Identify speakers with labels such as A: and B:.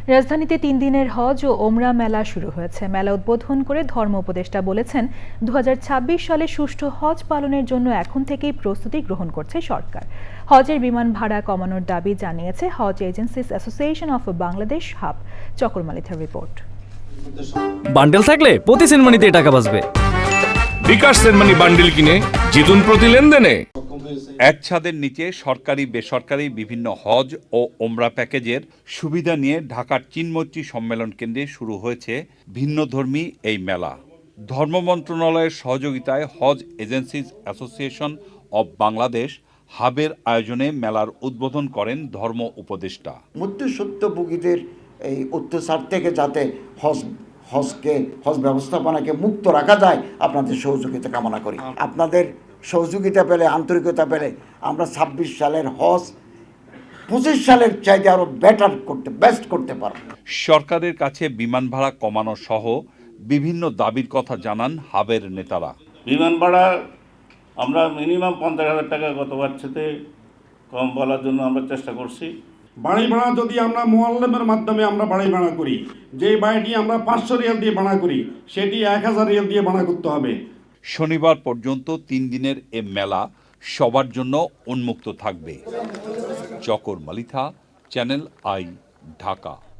A: রাজধানীতে 3 দিনের হজ ও ওমরা মেলা শুরু হয়েছে। মেলা উদ্বোধন করে ধর্ম উপদেষ্টা বলেছেন, 2026 সালে সুষ্ঠু হজ পালনের জন্য এখন থেকেই প্রস্তুতি গ্রহণ করছে সরকার। হজের বিমান ভাড়া কমানোর দাবি জানিয়েছে Hajj agencies association of Bangladesh HAAB. চকরমালিথার রিপোর্ট।
B: বান্ডেল থাকলে প্রতি সেনমানিতে টাকা বাঁচবে।
C: বিকাশ সেনমানি বান্ডেল কিনে জিতুন প্রতি লেনদেনে।
D: এক ছাদের নিচে সরকারি বেসরকারি বিভিন্ন হজ ও ওমরা প্যাকেজের সুবিধা নিয়ে ঢাকার চিন্মৈত্রী সম্মেলন কেন্দ্রে শুরু হয়েছে ভিন্নধর্মী এই মেলা। ধর্ম মন্ত্রণালয়ের সহযোগিতায় Hajj agencies association of Bangladesh হাবের আয়োজনে মেলার উদ্বোধন করেন ধর্ম উপদেষ্টা।
E: মধ্যস্বত্বভোগীদের এই অত্যাচার থেকে যাতে হজ ব্যবস্থাপনাকে মুক্ত রাখা যায়, আপনাদের সহযোগিতা কামনা করি। আপনাদের সহযোগিতা পেলে, আন্তরিকতা পেলে আমরা 26 সালের হজ 25 সালের চাইতে আরো বেস্ট করতে পারব।
D: সরকারের কাছে বিমান ভাড়া কমানো সহ বিভিন্ন দাবির কথা জানান হাবের নেতারা।
F: বিমান ভাড়া আমরা মিনিমাম 50,000 টাকা গতবার সাথে কম বলার জন্য আমরা চেষ্টা করছি।
G: বাড়ি ভাড়া যদি আমরা মোয়াল্লেমের মাধ্যমে আমরা বাড়ি ভাড়া করি, যে বাড়িটি আমরা 500 রিয়াল দিয়ে ভাড়া করি সেটি 1000 রিয়াল দিয়ে ভাড়া করতে হবে।
D: শনিবার পর্যন্ত 3 দিনের এ মেলা সবার জন্য উন্মুক্ত থাকবে। Chakor Malitha, channel I, Dhaka.